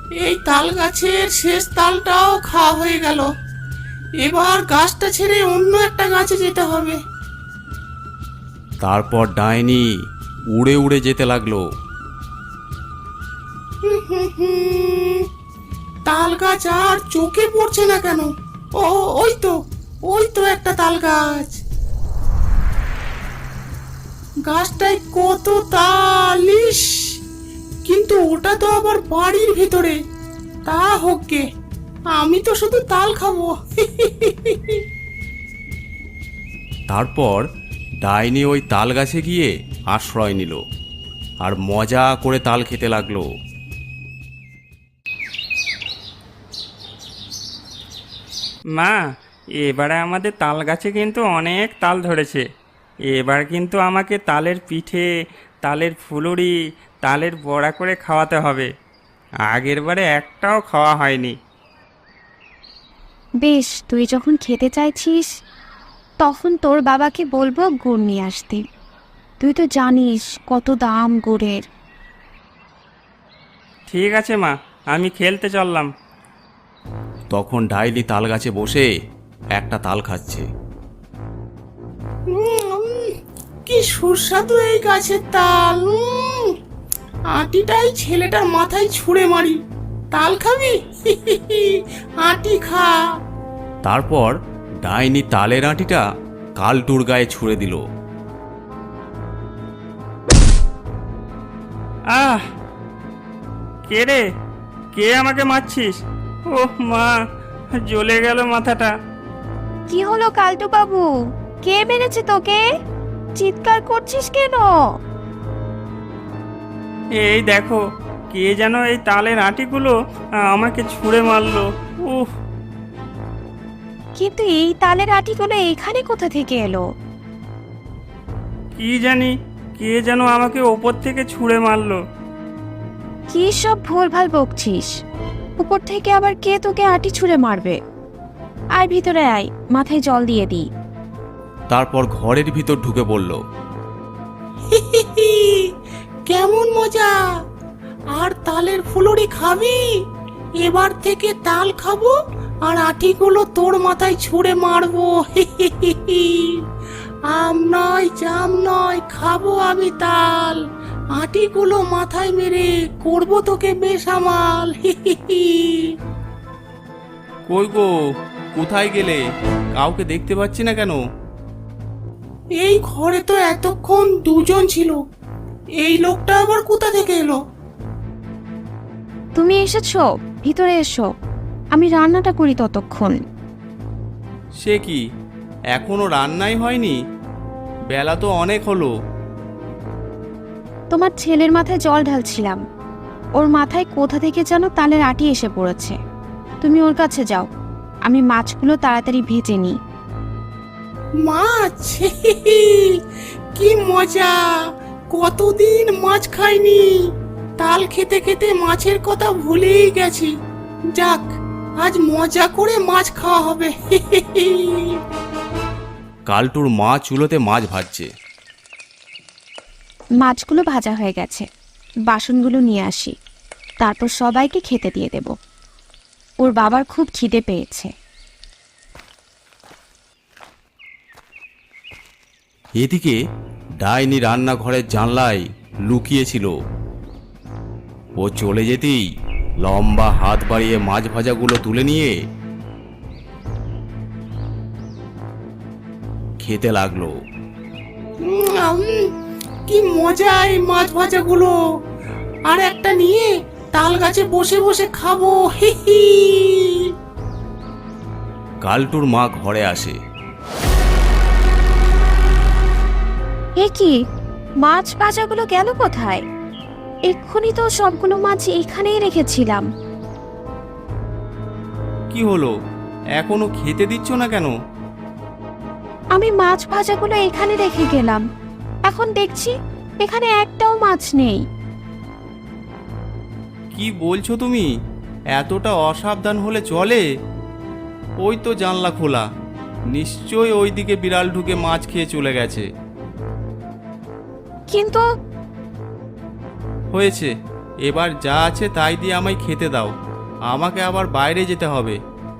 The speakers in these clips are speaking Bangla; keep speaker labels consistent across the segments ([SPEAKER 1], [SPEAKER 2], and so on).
[SPEAKER 1] এই তাল গাছের শেষ তালটাও খাওয়া হয়ে গেল। এবার গাছটা ছেড়ে অন্য একটা গাছে যেতে হবে।
[SPEAKER 2] তারপর ডাইনি উড়ে উড়ে যেতে লাগলো।
[SPEAKER 1] হুম, তাল গাছ আর চোখে পড়ছে না কেন? ও, ওই তো, ওই তো একটা তাল গাছ। গাছটায় কত তাল! ইস, কিন্তু ওটা তো আবার বাড়ির ভিতরে। তা হোক গে, আমি তো শুধু তাল খাবো।
[SPEAKER 2] তারপর ডাইনি ওই তাল গাছে গিয়ে আশ্রয় নিল আর মজা করে তাল খেতে লাগলো।
[SPEAKER 3] মা, এবারে আমাদের তাল গাছে কিন্তু অনেক তাল ধরেছে। এবার কিন্তু আমাকে তালের পিঠে, তালের ফুলুরি, তালের বড়া করে খাওয়াতে হবে। আগের বারে একটাও খাওয়া হয়নি।
[SPEAKER 4] বেশ, তুই যখন খেতে চাইছিস তখন তোর বাবাকে বলবো গুড় নিয়ে আসতে। তুই তো জানিস কত দাম গুড়ের।
[SPEAKER 3] ঠিক আছে মা, আমি খেলতে চললাম।
[SPEAKER 2] তখন ডাইনি তাল গাছে বসে একটা তাল খাচ্ছে।
[SPEAKER 1] কি সুস্বাদু এই গাছের তাল! আটিটাই ছেলেটার মাথায় ছুঁড়ে মারি। তাল খাবি? আটি খা।
[SPEAKER 2] তারপর ডাইনি তালের আঁটিটা কালটুর গায়ে ছুঁড়ে দিল।
[SPEAKER 3] আহ! কে রে? কে আমাকে মারছিস? ওহ মা, জ্বলে গেল মাথাটা।
[SPEAKER 4] কি হলো কালটু বাবু? কে মেরেছে তোকে? চিৎকার করছিস কেন?
[SPEAKER 3] এই দেখো, কে যেন এই তালের আটিগুলো আমাকে ছুঁড়ে মারলো। উফ!
[SPEAKER 4] কিন্তু এই তালের আটিগুলো এখানে কোথা থেকে এলো?
[SPEAKER 3] কি জানি, কে যেন আমাকে ওপর থেকে ছুঁড়ে মারলো।
[SPEAKER 4] কি সব ভুলভাল বকছিস? উপর থেকে আবার কে তোকে আটি ছুঁড়ে মারবে? আয় ভিতরে আয়, মাথায় জল দিয়ে দিই।
[SPEAKER 2] তারপর ঘরের ভিতর ঢুকে পড়ল।
[SPEAKER 1] কেমন মজা! আর তালের ফুলুরি খাবি? এবার থেকে তাল খাবো আর আটিগুলো তোর মাথায় ছুঁড়ে মারবো। আম নয়, জাম নয়, খাবো আমি তাল। আটিগুলো মাথায় মেরে করবো তোকে বেসামাল।
[SPEAKER 2] কই গো, কোথায় গেলে? কাউকে দেখতে পাচ্ছি না কেন?
[SPEAKER 1] এই ঘরে তো এতক্ষণ দুজন ছিল। এই লোকটা আবার কোথা থেকে এলো?
[SPEAKER 4] তুমি এসেছো, ভিতরে এসো। আমি রান্নাটা করি ততক্ষণ।
[SPEAKER 2] সে কি, এখনো রান্নাই হয়নি? বেলা তো অনেক হলো।
[SPEAKER 4] তোমার ছেলের মাথায় জল ঢালছিলাম। ওর মাথায় কোথা থেকে যেন তালের আটি এসে পড়েছে। তুমি ওর কাছে যাও, আমি মাছগুলো তাড়াতাড়ি ভেজে নিই।
[SPEAKER 1] মাছ! কি মজা! কতদিন মাছ খাইনি। তাল খেতে খেতে মাছের কথা ভুলেই গেছি। যাক, আজ মজা করে মাছ খাওয়া হবে।
[SPEAKER 2] কালটুর মা চুলোতে মাছ ভাজছে।
[SPEAKER 4] মাছগুলো ভাজা হয়ে গেছে, বাসনগুলো নিয়ে আসি, তারপর সবাইকে খেতে দিয়ে দেব। ওর বাবার খুব খিদে পেয়েছে।
[SPEAKER 2] এদিকে ডাইনি রান্নাঘরের জানলায় লুকিয়েছিল। ও চলে যেতেই লম্বা হাত বাড়িয়ে মাছ ভাজাগুলো তুলে নিয়ে খেতে লাগলো।
[SPEAKER 1] উম, কি মজা এই মাছ ভাজাগুলো! আর একটা নিয়ে তাল গাছে বসে বসে খাবো।
[SPEAKER 2] কালটুর মা ঘরে আসে।
[SPEAKER 4] এ কি, মাছ ভাজাগুলো গেল কোথায়? এক্ষুনি তো সবগুলো মাছ এখানেই রেখেছিলাম।
[SPEAKER 2] কি হলো, এখনো খেতে দিচ্ছ না কেন?
[SPEAKER 4] আমি মাছ ভাজাগুলো এখানে রেখে গেলাম, এখন দেখছি এখানে একটাও মাছ নেই।
[SPEAKER 2] কি বলছো তুমি? এতটা অসাবধান হলে চলে? ওই তো জানলা খোলা, নিশ্চয়ই ওইদিকে বিড়াল ঢুকে মাছ খেয়ে চলে গেছে।
[SPEAKER 4] কিন্তু
[SPEAKER 2] হয়েছে, এবার যা আছে তাই দিয়ে আমায় খেতে দাও, আমাকে আবার বাইরে যেতে হবে।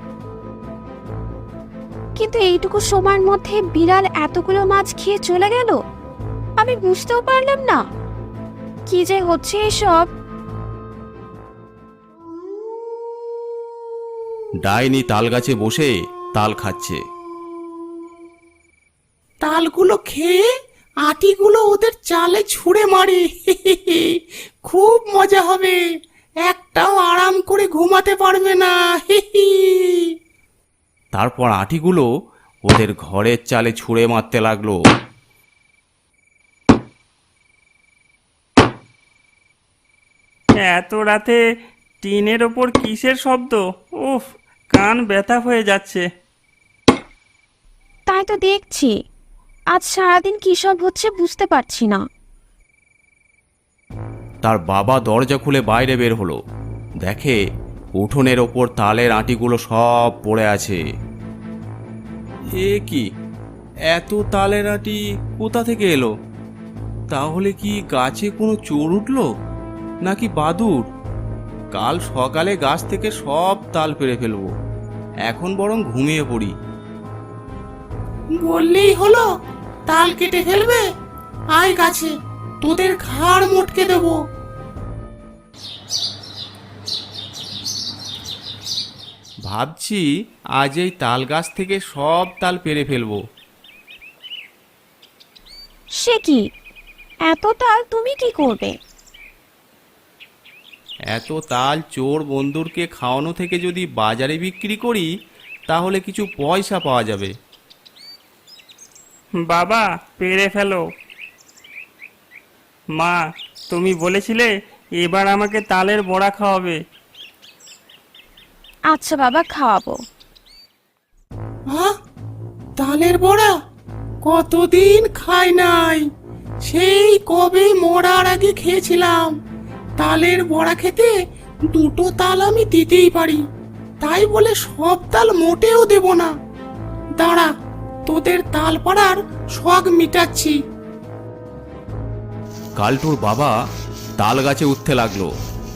[SPEAKER 4] কিন্তু এইটুকু সময়ের মধ্যে বিড়াল এতগুলো মাছ খেয়ে চলে গেল, আমি বুঝতেও পারলাম না কি যে হচ্ছে এসব।
[SPEAKER 2] ডাইনি তাল গাছে বসে তাল খাচ্ছে।
[SPEAKER 1] তালগুলো খেয়ে আটিগুলো ওদের চালে ছুঁড়ে মারি। খুব মজা হবে, একটাও আরাম করে ঘুমাতে পারবে না।
[SPEAKER 2] তারপর আটিগুলো ওদের ঘরের চালে ছুঁড়ে মারতে লাগলো।
[SPEAKER 3] এত রাতে টিনের ওপর কিসের শব্দ? উফ, কান ব্যথা হয়ে যাচ্ছে।
[SPEAKER 4] তাই তো দেখছি, আজ সারাদিন কি সব হচ্ছে বুঝতে পারছি না।
[SPEAKER 2] তার বাবা দরজা খুলে বাইরে বের হলো, দেখে উঠোনের ওপর তালের আটিগুলো সব পড়ে আছে। এ কি, এত তালের আটি কোথা থেকে এলো? তাহলে কি গাছে কোনো চোর উঠলো নাকি বাদুড়? কাল সকালে গাছ থেকে সব তাল পেড়ে ফেলবো, এখন বরং ঘুমিয়ে পড়ি।
[SPEAKER 1] বললেই হলো তাল কেটে ফেলবে? আয় গাছে, তোদের ঘাড় মোটকে দেবো।
[SPEAKER 2] ভাবছি আজ এই তাল গাছ থেকে সব তাল পেড়ে ফেলবো।
[SPEAKER 4] সে কি, এত তাল তুমি কি করবে?
[SPEAKER 2] এত তাল চোর বন্ধুরকে খাওয়ানো থেকে যদি বাজারে বিক্রি করি তাহলে কিছু পয়সা পাওয়া যাবে।
[SPEAKER 3] বাবা, পেরে ফেলো। মা, তুমি বলেছিলে এবার আমাকে তালের বড়া খাওয়াবে।
[SPEAKER 4] আচ্ছা বাবা, খাওয়াবো।
[SPEAKER 1] তালের বড়া কতদিন খাই নাই, সেই কবে মরার আগে খেয়েছিলাম। তালের বড়া খেতে দুটো তাল আমি দিতেই পারি, তাই বলে সব তাল মোটেও দেব না। দাঁড়া, তোদের তাল পাড়ার শখ মিটাচ্ছি।
[SPEAKER 2] কালটুর বাবা তাল গাছে উঠতে লাগলো,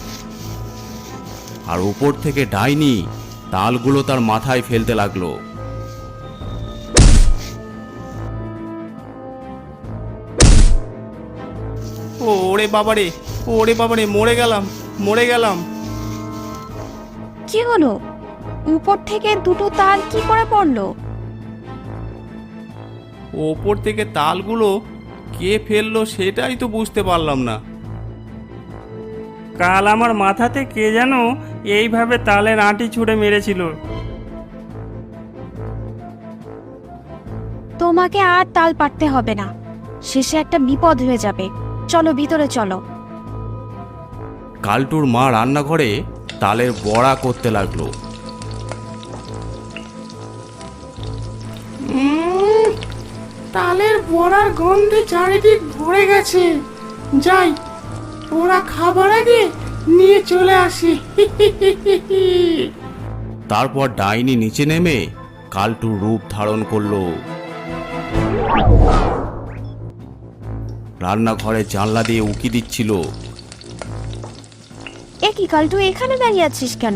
[SPEAKER 2] আর উপর থেকে ডাইনি তালগুলো তার মাথায় ফেলতে লাগলো। ওরে বাবারে, ওরে বাবারে, মরে গেলাম, মরে গেলাম।
[SPEAKER 4] কি হলো? উপর থেকে দুটো তাল কি করে পড়লো?
[SPEAKER 2] ওপর থেকে তালগুলো কে ফেললো সেটাই তো বুঝতে পারলাম না।
[SPEAKER 3] কাল আমার মাথাতে কে যেন এইভাবে তালের আঁটি ছুঁড়ে মেরেছিল।
[SPEAKER 4] তোমাকে আর তাল পাড়তে হবে না, শেষে একটা বিপদ হয়ে যাবে। চলো ভিতরে চলো।
[SPEAKER 2] কালটুর মা রান্নাঘরে তালের বড়া করতে লাগলো।
[SPEAKER 1] তালের বড়ার গন্ধে চারিদিক ভরে গেছে। যাই, ওরা খাবার আগে নিয়ে চলে আসি।
[SPEAKER 2] তারপর ডাইনি নিচে নেমে কালটুর রূপ ধারণ করলো। রান্নাঘরে জানলা দিয়ে উকি দিচ্ছিল।
[SPEAKER 4] এ কি কালটু, এখানে দাঁড়িয়ে আছিস কেন?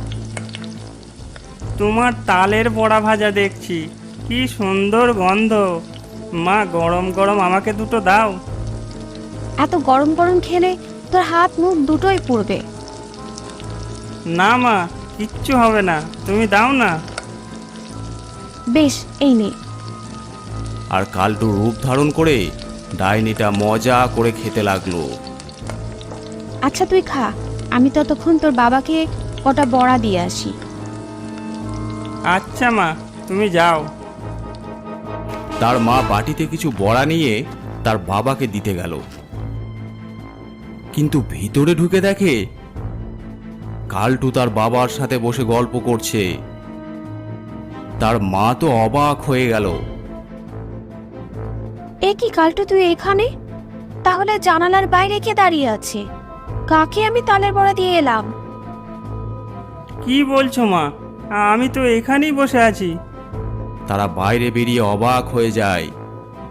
[SPEAKER 3] তোমার তালের বড়া ভাজা দেখছি, কি সুন্দর গন্ধ। মা, গরম গরম আমাকে দুটো দাও।
[SPEAKER 4] এত গরম গরম খেলে তোর হাত মুখ দুটোই পুড়বে।
[SPEAKER 3] না মা, কিচ্ছু হবে না, তুমি দাও না।
[SPEAKER 4] বেশ, এই নে।
[SPEAKER 2] আর কালটুর রূপ ধারণ করে ডাইনিটা মজা করে খেতে লাগলো।
[SPEAKER 4] আচ্ছা তুই খা, আমি ততক্ষণ তোর বাবাকে কটা বড়া দিয়ে আসি।
[SPEAKER 3] আচ্ছা মা, তুমি যাও।
[SPEAKER 2] তার মা বাটিতে কিছু বড়া নিয়ে তার বাবাকে দিতে গেল, কিন্তু ভিতরে ঢুকে দেখে কালটু তার বাবার সাথে বসে গল্প করছে। তার মা তো অবাক হয়ে গেল।
[SPEAKER 4] এ কি কালটু, তুই এখানে? তাহলে জানালার বাইরে কে দাঁড়িয়ে আছে? কাকে আমি তালের বড়া দিয়ে এলাম?
[SPEAKER 3] কি বলছো মা? আমি তো এখানেই বসে আছি।
[SPEAKER 2] তারা বাইরে বেরিয়ে অবাক হয়ে যায়,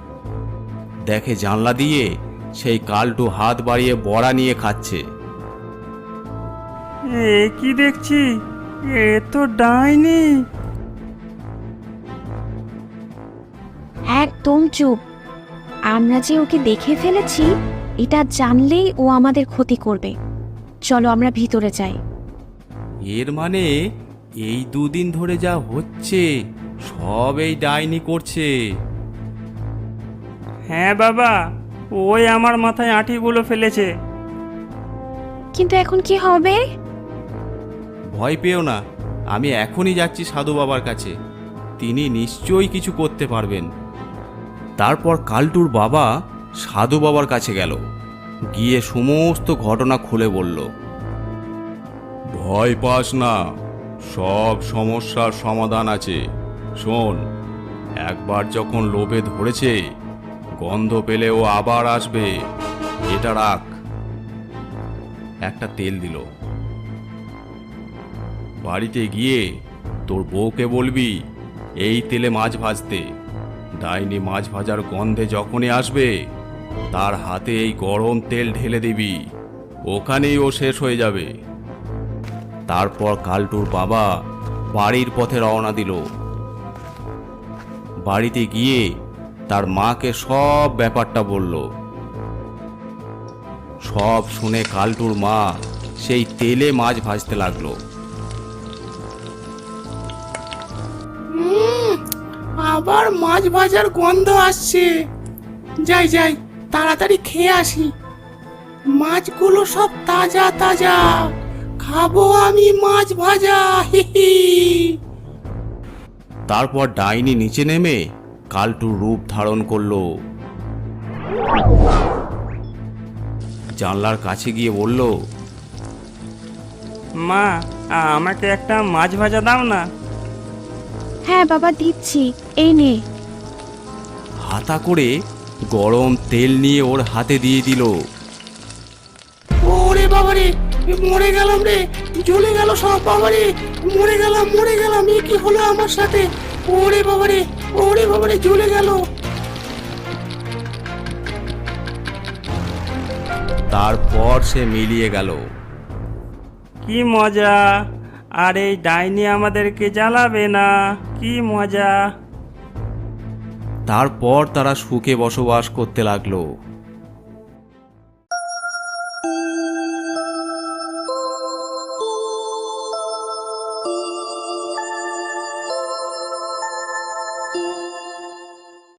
[SPEAKER 2] দেখে জানলা দিয়ে সেই কালটু হাত বাড়িয়ে বড়া নিয়ে খাচ্ছে।
[SPEAKER 3] এ কি দেখছি, এ তো ডাইনি।
[SPEAKER 4] একদম চুপ। আমরা যে ওকে দেখে ফেলেছি এটা জানলেই ও আমাদের ক্ষতি করবে। চলো আমরা ভিতরে যাই।
[SPEAKER 2] এর মানে এই দুদিন ধরে যা হচ্ছে সব এই ডাইনি করছে।
[SPEAKER 3] হ্যাঁ বাবা, ওই আমার মাথায় আঁটিগুলো ফেলেছে।
[SPEAKER 4] কিন্তু এখন কি হবে?
[SPEAKER 2] ভয় পেও না, আমি এখনই যাচ্ছি সাধু বাবার কাছে। তিনি নিশ্চয়ই কিছু করতে পারবেন। তারপর কালটুর বাবা সাধু বাবার কাছে গেল, গিয়ে সমস্ত ঘটনা খুলে বলল। ভয় পাস না, সব সমস্যার সমাধান আছে। শোন, একবার যখন লোভে ধরেছে, গন্ধ পেলে ও আবার আসবে। এটা রাখ। একটা তেল দিল। বাড়িতে গিয়ে তোর বউকে বলবি এই তেলে মাছ ভাজতে। ডাইনি মাছ ভাজার গন্ধে যখনই আসবে, তার হাতে এই গরম তেল ঢেলে দিবি। ওখানেই ও শেষ হয়ে যাবে। তারপর কালটুর বাবা বাড়ির পথে রওনা দিল। বাড়িতে গিয়ে তার মাকে সব ব্যাপারটা বলল। সব শুনে কালটুর মা সেই তেলে মাছ ভাজতে লাগলো।
[SPEAKER 1] আবার মাছ ভাজার গন্ধ আসছে। যাই যাই, তাড়াতাড়ি খেয়ে আসি। মাছগুলো সব তাজা তাজা, খাবো আমি মাছ ভাজা। হি হি।
[SPEAKER 2] তারপর ডাইনি নিচে নেমে কালটুর রূপ ধারণ করলো। জানলার কাছে গিয়ে বলল,
[SPEAKER 3] মা, আমাকে একটা মাছ ভাজা দাও না।
[SPEAKER 4] হ্যাঁ বাবা, দিচ্ছি, এই নে।
[SPEAKER 2] হাতা করে গরম তেল নিয়ে ওর হাতে দিয়ে দিল।
[SPEAKER 1] ওরে বাবারে, মরে গেলাম রে, জ্বলে গেল সব। বাবারে, মরে গেলাম। এ কি হলো আমার সাথে? ওরে বাবারে, জ্বলে গেল।
[SPEAKER 2] তারপর সে মিলিয়ে গেল।
[SPEAKER 3] কি মজা! আর এই ডাইনি আমাদেরকে জ্বালাবে না, কি মজা!
[SPEAKER 2] তারপর তারা সুখে বসবাস করতে লাগলো।